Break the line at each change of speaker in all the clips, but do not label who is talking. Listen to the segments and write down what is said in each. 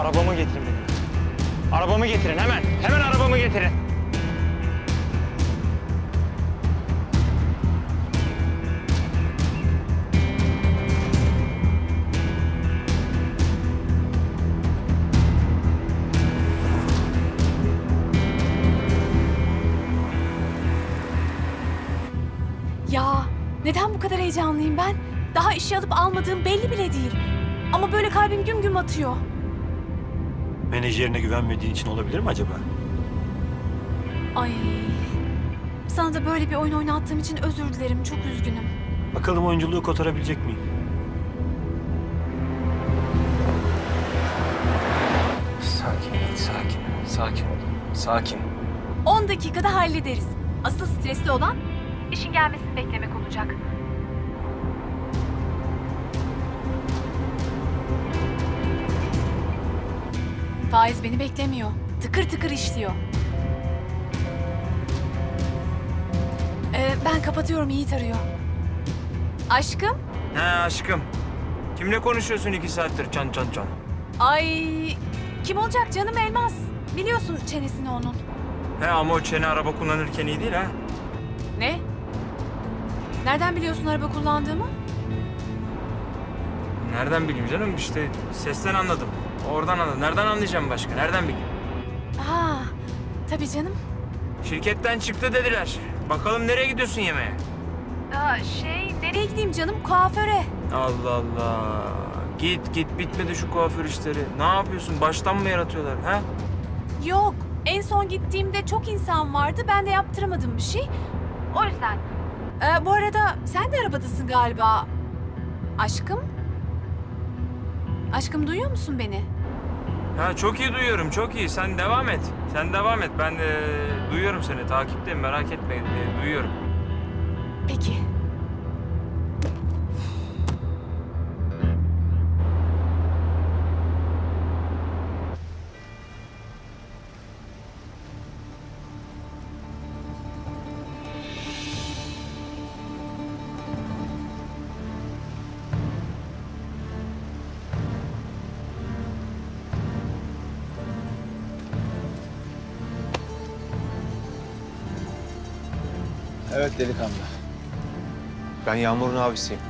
Arabamı getirin benim. Arabamı getirin hemen. Hemen arabamı getirin.
Ya neden bu kadar heyecanlıyım ben? Daha işe alıp almadığım belli bile değil. Ama böyle kalbim güm güm atıyor.
Menajerine güvenmediğin için olabilir mi acaba?
Ay. Sana da böyle bir oyun oynattığım için özür dilerim. Çok üzgünüm.
Bakalım oyunculuğu kotarabilecek miyim?
Sakin ol. Sakin.
10 dakikada hallederiz. Asıl stresli olan işin gelmesini beklemek olacak. Faiz beni beklemiyor. Tıkır tıkır işliyor. Ben kapatıyorum, Yiğit arıyor. Aşkım?
He aşkım. Kimle konuşuyorsun 2 saattir can?
Ay, kim olacak canım, Elmas? Biliyorsun çenesini onun.
He ama o çene araba kullanırken iyi değil ha.
Ne? Nereden biliyorsun araba kullandığımı?
Nereden bileyim canım, işte sesten anladım. Oradan anladım. Nereden anlayacağım başka? Nereden bileyim?
Ha, tabii canım.
Şirketten çıktı dediler. Bakalım nereye gidiyorsun yemeğe?
Nereye gideyim canım? Kuaföre.
Allah Allah. Git bitmedi şu kuaför işleri. Ne yapıyorsun? Baştan mı yaratıyorlar ha?
Yok, en son gittiğimde çok insan vardı. Ben de yaptıramadım bir şey. O yüzden. Bu arada sen de arabadasın galiba. Aşkım? Aşkım, duyuyor musun beni?
Ha çok iyi duyuyorum, çok iyi. Sen devam et. Ben duyuyorum seni. Takipteyim, merak etme. Duyuyorum.
Peki.
Evet delikanlı. Ben Yağmur'un abisiyim.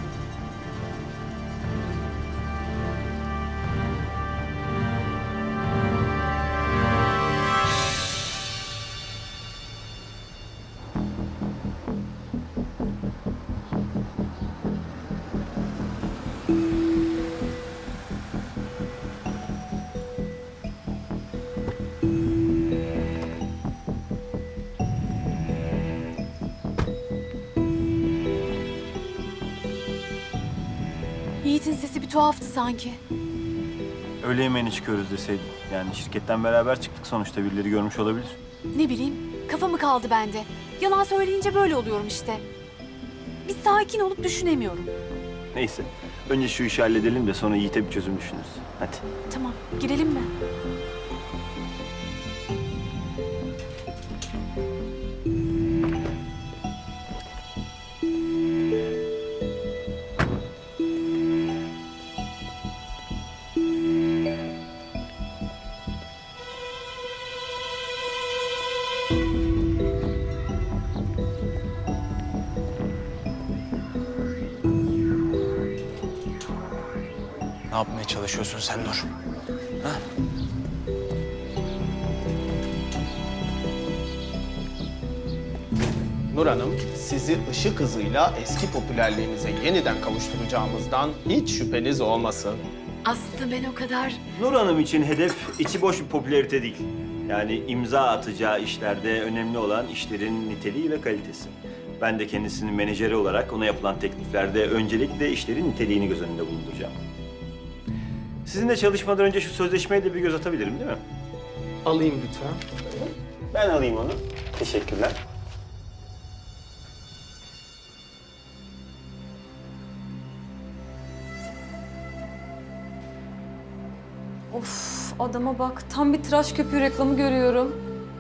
Yiğit'in sesi bir tuhaftı sanki.
Öğle yemeğine çıkıyoruz deseydin. Yani şirketten beraber çıktık sonuçta, birileri görmüş olabilir.
Ne bileyim, kafa mı kaldı bende? Yalan söyleyince böyle oluyorum işte. Bir sakin olup düşünemiyorum.
Neyse, önce şu işi halledelim de sonra Yiğit'e bir çözüm düşünürüz. Hadi.
Tamam, girelim mi?
Ne yapmaya çalışıyorsun sen Nur? Ha?
Nur Hanım, sizi ışık hızıyla eski popülerliğinize yeniden kavuşturacağımızdan hiç şüpheniz olmasın.
Aslında ben o kadar...
Nur Hanım için hedef içi boş bir popülarite değil. Yani imza atacağı işlerde önemli olan işlerin niteliği ve kalitesi. Ben de kendisinin menajeri olarak ona yapılan tekliflerde öncelikle işlerin niteliğini göz önünde bulunduracağım. Sizinle çalışmadan önce şu sözleşmeye de bir göz atabilirim değil mi?
Alayım lütfen.
Ben alayım onu. Teşekkürler.
Of, adama bak. Tam bir tıraş köpüğü reklamı görüyorum.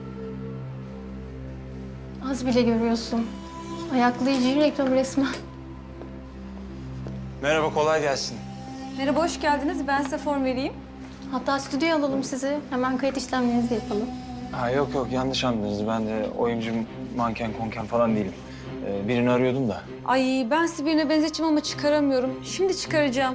Az bile görüyorsun. Ayaklayıcı reklam resmen.
Merhaba, kolay gelsin.
Merhaba, hoş geldiniz. Ben size form vereyim.
Hatta stüdyoya alalım sizi. Hemen kayıt işlemlerinizi yapalım.
Ha yok yok yanlış anladınız. Ben de oyuncu, manken, konken falan değilim. Birini arıyordum da.
Ay ben sizi birine benzeteceğim ama çıkaramıyorum. Şimdi çıkaracağım.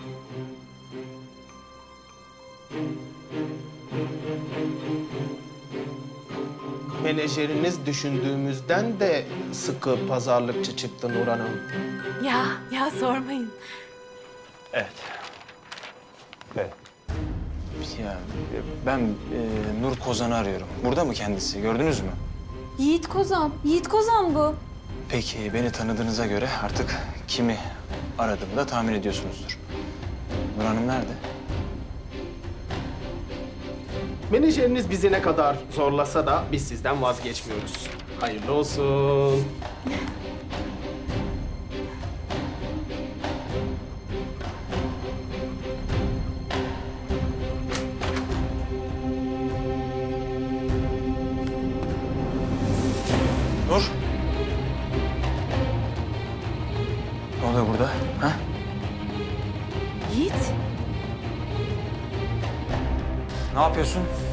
Menajeriniz düşündüğümüzden de sıkı pazarlıkçı çıktı Nur Hanım.
Ya sormayın.
Evet. Evet.
Ya ben Nur Kozan'ı arıyorum. Burada mı kendisi? Gördünüz mü?
Yiğit Kozan. Yiğit Kozan bu.
Peki beni tanıdığınıza göre artık kimi aradığımı da tahmin ediyorsunuzdur. Nur Hanım nerede?
Menajeriniz bizi ne kadar zorlasa da biz sizden vazgeçmiyoruz. Hayırlı olsun.
Nur. Ne oluyor burada? Ha?
Yiğit.
Ne yapıyorsun?